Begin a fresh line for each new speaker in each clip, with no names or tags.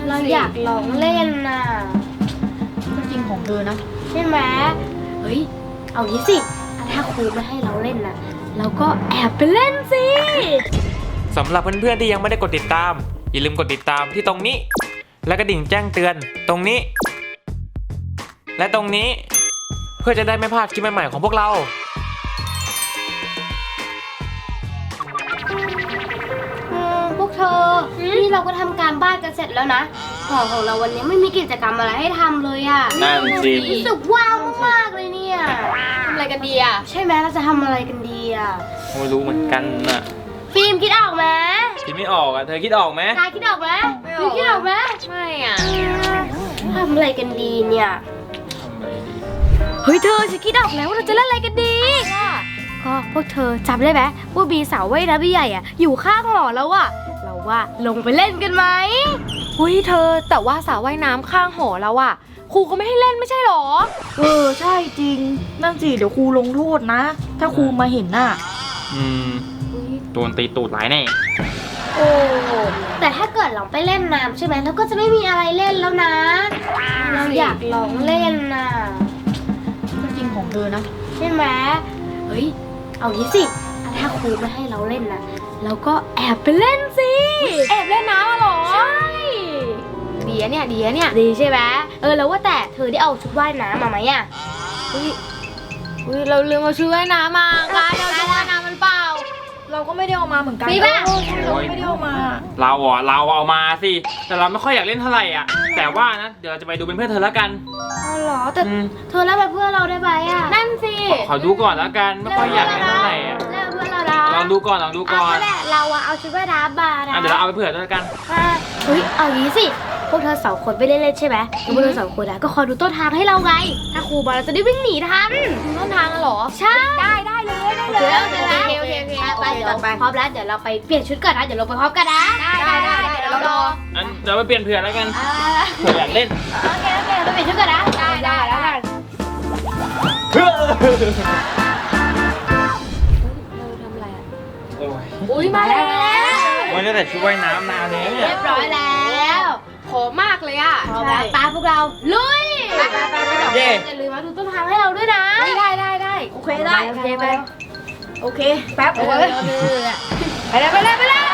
เราอยากลองเล่นน่ะ
ก็จริงของเธอนะ
ใช่ไหมเฮ้ยเอางี้สิถ้าครูไม่ให้เราเล่นน่ะเราก็แอบไปเล่นสิ
สำหรับเพื่อนๆที่ยังไม่ได้กดติดตามอย่าลืมกดติดตามที่ตรงนี้และกระดิ่งแจ้งเตือนตรงนี้และตรงนี้เพื่อจะได้ไม่พลาดคลิปใหม่ๆของพวกเรา
พวกเธอนี่เราก็ทำการบ้านกันเสร็จแล้วนะของเราวันนี้ไม่มีกิจกรรมอะไรให้ทำเลยอ่ะ
นั่นสิ
รู้สึกว้าวมากๆเลยเนี่ย
ทำอะไรกันดีอ่ะ
ใช่ไหมเราจะทำอะไรกันดีอ่ะ
ไม่รู้เหมือนกันน่ะ
ฟิล์มคิดออกไหม
คิดไม่ออกอ่ะเธอคิดออกไหม
นายคิดออกไหมคิดออกไหม
ไม่อ่ะ
ทำอะไรกันดีเนี่ยเฮ้ยเธอฉันคิดออกแล้วว่าเราจะเล่นอะไรกันดีก็พวกเธอจำได้ไหมว่าบีสาวว่ายน้ำใหญ่อ่ะอยู่ข้างหอแล้วอ่ะเราว่าลงไปเล่นกันไหม
เธอแต่ว่าสระว่ายน้ำข้างหอแล้วอ่ะครูก็ไม่ให้เล่นไม่ใช่หรอ
ใช่จริงนั่นสิเดี๋ยวครูลงโทษนะถ้าครูมาเห็นน่ะ
โดนตีตูดหลายแน่
โอ้แต่ถ้าเกิดเราไปเล่นน้ำใช่ไหมเราก็จะไม่มีอะไรเล่นแล้วนะเราอยากลองเล่นน่ะ
ก็จริงของเธอนะ
ใช่ไหมเฮ้ยเอางี้สิถ้าครูไม่ให้เราเล่นน่ะเราก็แอบไปเล่นสิ
แอบเล่นน้ำหรอ
ใช่
ดีเนี่ย
ดีใช่ไหมแล้วว่าแต่เธอได้เอาชุดว่ายน้ำมาไหมอ่ะ
เราลืมเอาชุดว่ายน้ำมาการเอาชุดว่ายน้ำมันเปล่า
เราก็ไม่ได้เอามาเหมือนกัน
พี่บ้า
เราไม่ได้เอามา
เราเอามาสิแต่เราไม่ค่อยอยากเล่นเท่าไหร่อ่ะแต่ว่านะเดี๋ยวเราจะไปดูเป็นเพื่อนเธอแล้วกัน
อ๋อเหรอแต่เธอเล่นเป็นเพื่อนเราได้ไหมอ่ะ
นั่นสิ
ขอดูก่อนแล้วกันไม่ค่อยอยากเล่นเท่าไหร่อ่ะ
เล่นเพื่อนเราได้
ลองดูก่อน
เราเอาชุดว่ายน้ำมานะ
เดี๋ยวเราเอาไปเผื่อด้วยกัน
เฮ้ยเอางี้สิพวกเธอสองคนไม่ได้เล่นใช่ไหมพวกเธอสองคนก็คอยดูต้นทางให้เราไงถ้าครูมาเราจะได้วิ่งหนีทัน
ต้นทางเหรอ
ใช่
ได้เลย
โอเคไปเดี๋ยวพร้อมแล้วเดี๋ยวเราไปเปลี่ยนชุดก่อนนะเดี๋ยวลงไปพร้อมกันนะ
ได้เดี๋ยวเรารอ
เดี๋ยวไปเปลี่ยนเผื่อแล้วกันเผื่ออยากเล่น
โอเคไปเปลี่ยนชุดก่อนนะได้แล้วกัน
ทำอะไรอ่ะ
อุ้ยมาแล้ว
วันนี้แต่ชุดว่ายน้ำนานแล้วเนี่ย
เรียบร้อยแล้ว
หอมมากเลยอ่ะ
ตามพวกเราลุยอย่าลืมมาดูต้นทางให้เราด้วยนะ
ได้
โอเคได้
ไป
โอเคแป๊บ
ไปเลยพวก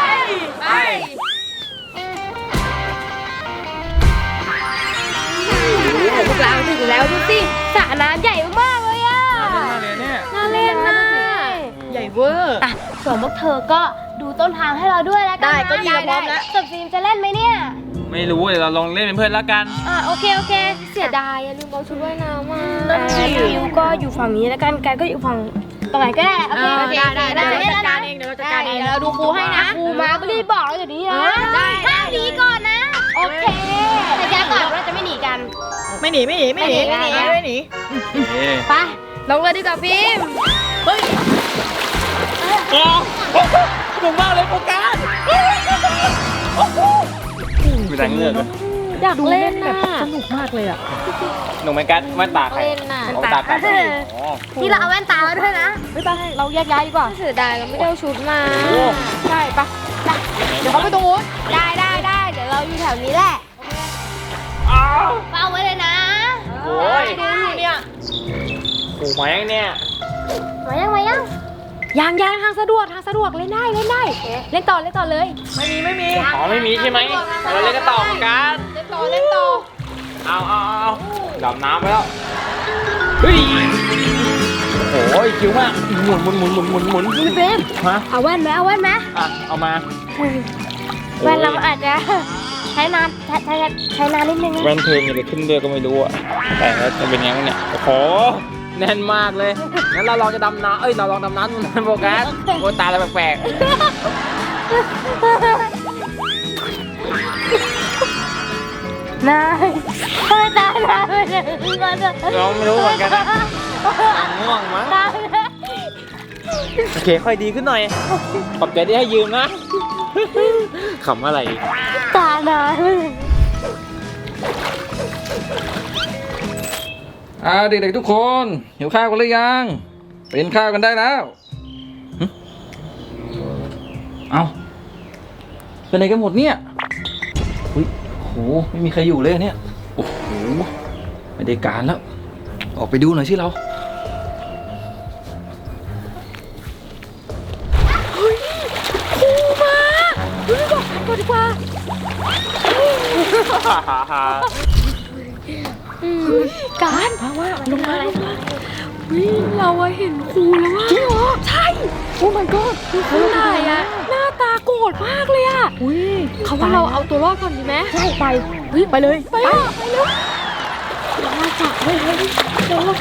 เราถึงแล้วดูสิสระน้ำใหญ่มากเลยอ่ะ
น่าเล่นนะ
ใหญ่เวอร์
ส่วนพวกเธอก็ดูต้นทางให้เราด้วยแล้วกัน
ได้ก็ดีพร้อมแล้ว
ส่วนฟิล์มจะเล่นไหมเนี่ย
ไม่รู้เดี๋ยวเราลองเล่นเป็นเพื่อนแล้วกัน
โอเค
เสียดายลืมเอาชุดว่ายน้ำมา
ฟิวก็อยู่ฝั่งนี้แล้วกันก็อยู่ฝั่งตรงไหนก็ได้โอเค
ได้จัดการเองเดี๋ยวเราจัดการเองเราดูครูให้นะ
ครูมาก็รีบบอกเราอย่างนี้นะห้ามหนีก่อนนะโอเคแต่ย้ายก่อนเราจะไม่หนีกัน
ไม่หนี
ไปลงเลยดีกว่าฟิล์ม
เฮ้ย
หนุ่มมากเลยโฟกัสมีแรงเลือดเลย
อยากเล่นแบบสนุกมากเลยอ่ะ
หนุ่มไม่กัดแว่นตาใครตากัด
ที่เราเอาแว่นตามาด้วยนะ
ไม่ไปเราแยกย้ายดีกว่า
เสียดายเราไม่ได้เอาชุดมา
ใช่ปะเดี๋ยวเขาไปตรงนู้น
ได้เดี๋ยวเราอยู่แถวนี้แหละเฝ้าไว้เลยนะ
โอ้ย
ดูอยู่เนี่ย
โอ้มายังเนี่ย
มายัง
ทางสะดวกเล่นได้เล่นต่อเลย
ไม่มี
อ๋อไม่มีใช่ไหมเราเล่นกันต่อกัน
เล่นต่อ
เอาดำน้ำไปแล้วเฮ้ยโอ้ยคิ้วมากหมุน
พี่เฟรมเอาแว่นไหม
เอามา
แว่นเราอาจจะใช้นานนิดนึง
แว่นเธอมีอะไรขึ้นเรือก็ไม่รู้อ่ะแต่แล้วจะเป็นยังไงเนี่ยโอ้โหแน่นมากเลยงั้นเราลองจะดำน้ำเราลองดำน้ำโฟกัสโอ้ตาอะไรแปลก
นายทำไมตานายไม่ได้
เราไม่รู้เหมือนกันง่วงมั้งโอเคค่อยดีขึ้นหน่อยขอบใจที่ให้ยืมนะขำอะไร
ตานาย
เด็กๆทุกคนหิวข้าวกันหรือยังไปกินข้าวกันได้แล้วเอาเป็นอะไรกันหมดเนี่ยโอ้ไม่มีใครอยู่เลยเนี่ยโอ้โหไม่ได้การแล้วออกไปดูหน่อยสิเรา
ก่อนดีกว่าการมาว่าลงมาเราเห็นครูแล้วว่าจริงเหรอใช่โอ้ my god คือไหนอะหน้าตาโกรธมากเลยอะเขาว่าเราเอาตัวรอดก่อนดีไหมใช่ไปไปเลยไปเลยเรามาจับเลยโดน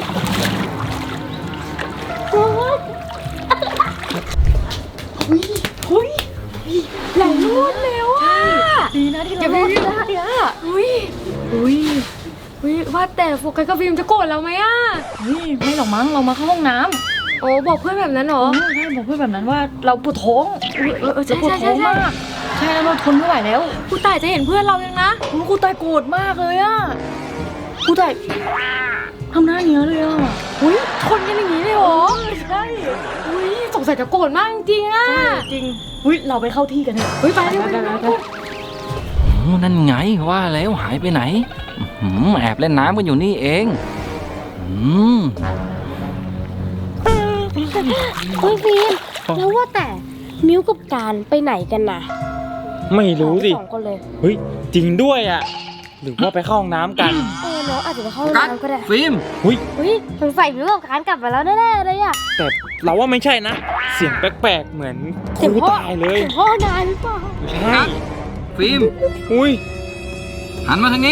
แหลมรวดเร็วอ่ะดีนะที่เรารอดได้อ่ะอุ้ยว่าแต่โฟกัสกับฟิล์มจะโกรธเราไหมอ่ะ
ไม่หรอกมั้งเรามาเข้าห้องน้
โอ้บอกเพื่อนแบบนั้นเหรอ
ำใช่บอกเพื่อนแบบนั้นว่าเราปวดท้อง
ใช่
ปวดท้องมากใช่แล้วเราทนไม่ไหวแล้ว
ครูต่ายจะเห็นเพื่อนเรายังนะ
ครูตายโกรธมากเลยอ่ะครูตายทำหน้าอย่างเงี้ยเลยอ่ะ
อุ้ยคนกันอย่างนี้เลยเหรอ
ใช่
อุ้ยสงสัยจะโกรธมากจริงๆอ่ะ
จริงเราไปเข้าที่กันเถอะ
ไปเร็ว
นั่นไงว่าแล้วหายไปไหนแอบเล่นน้ำกันอยู่นี่เอง
เฮ้ยฟิล์มแล้วว่าแต่มิวกับการไปไหนกันนะ
ไม่รู้สิ
สองคนเลย
เฮ้ยจริงด้วยอ่ะหรือว่าไปเข้าห้องน้ำกัน
น้องอาจจะไปเข้าห้องน้ำก็ได้
ฟิล์ม
อุ้ยสงสัยมิวกับการกลับมาแล้วแน่ๆเลยอ่ะ
แต่เราว่าไม่ใช่นะ เสียงแปลกๆเหมือนครูตายเลย
เสียงพ่อนายหรือเปล่า
ใช่
ฟิล์ม
อุ้ย
หันมาทางนี้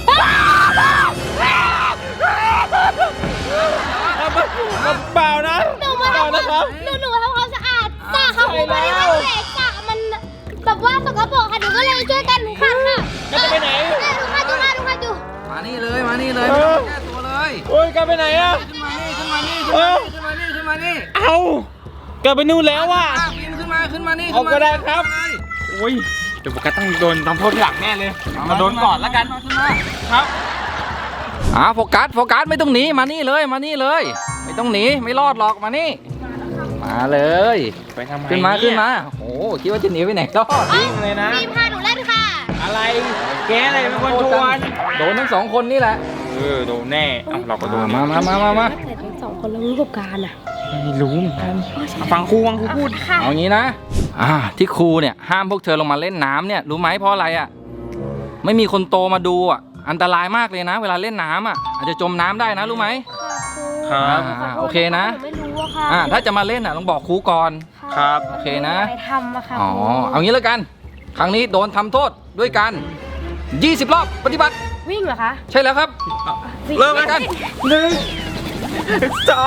เปล่านะ
หนูมาทำความหนูทำความสะอาดสระค่ะคุณพอดีว่าแหวนสระมันแบบว่าสกปรกค่ะหนูก็เลยช่วยกันขัดค่ะ
จะไปไหน
ดูค่ะดู
มานี่เลยไม่ต้องแก้ตัวเลย
โอ้ยกลับไปไหนอะ
ขึ้นมานี่ขึ้นมานี่
เอากลับไปนู่นแล้วว่ะ
ฟิล์มขึ้นมานี่
เอาก็ได้ครับโอ้ยเดี๋ยวโฟกัสต้องโดนทำโทษที่หลังแน่เลยมาโดนก่อนแล้วกันครับ
โฟกัสไม่ต้องหนีมานี่เลยไม่ต้องหนีไม่รอดหรอกมานี่มาเลย
ไปทำไม
ขึ้นมาโอ้คิดว่าจะหนีไปไหนรอด
จริงเลยนะ
ฟิล์มพาหนูเล่นค่ะ
อะไรแกอะไรเป็นคนชวน
โดนทั้งสองคนนี่แหละ
โดนแน่เอ้าเราก็โดน
มา
แต่ทั้งสองคนแล้วรู้กับการอ่ะ
ไม่รู้เหมือนกันฟังครูพูด
เอางี้นะที่ครูเนี่ยห้ามพวกเธอลงมาเล่นน้ำเนี่ยรู้ไหมเพราะอะไรอ่ะไม่มีคนโตมาดูอ่ะอันตรายมากเลยนะ เวลาเล่นน้ำอ่ะอาจจะจมน้ำได้นะรู้ไหม
ครับ
โอเคนะ
ไม่รู้อะค่ะ
ถ้าจะมาเล่นต้องบอกครูก่อน
ครับ
โอเคนะ
ไปทำอะค่ะ
เอางี้แล้วกัน ครั้งนี้โดนทำโทษด้วยกัน20 รอบปฏิบัติ
วิ่งเหรอคะ
ใช่แล้วครับ
เริ่มกัน1 2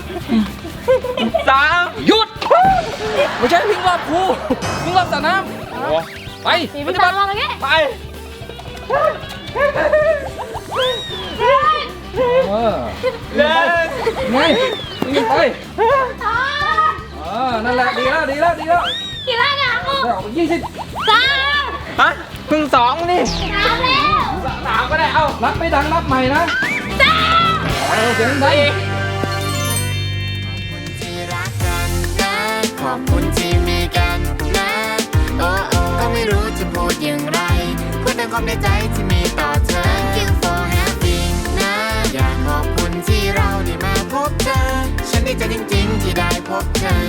3
หยุดไม่ใช่วิ่งรอบครูวิ่งรอบสระน้
โอ้
ำไป
มี
ป
พี่
ฏิ
ตา
บัติ
มมาเมื่อกี้
ไป
เล่นไงวิ่งไปนั่นแหละดีแล้ว
กี่ล้านอะครู
เอา20
3
ฮะเพิ่ง2นี่
3แล้ว
3ก็ได้เอ้า
รับไม่ดังรับใหม่นะเสียงดัง
ขอบคุณที่มีกันนะ โอ้โอ้ก็ไม่รู้จะพูดอย่างไรพูดแต่ความในใจที่มีต่อเธอ Thank you for having นะ อยากขอบคุณที่เราได้มาพบเธอ ฉันดีใจจริงๆที่ได้พบเธอ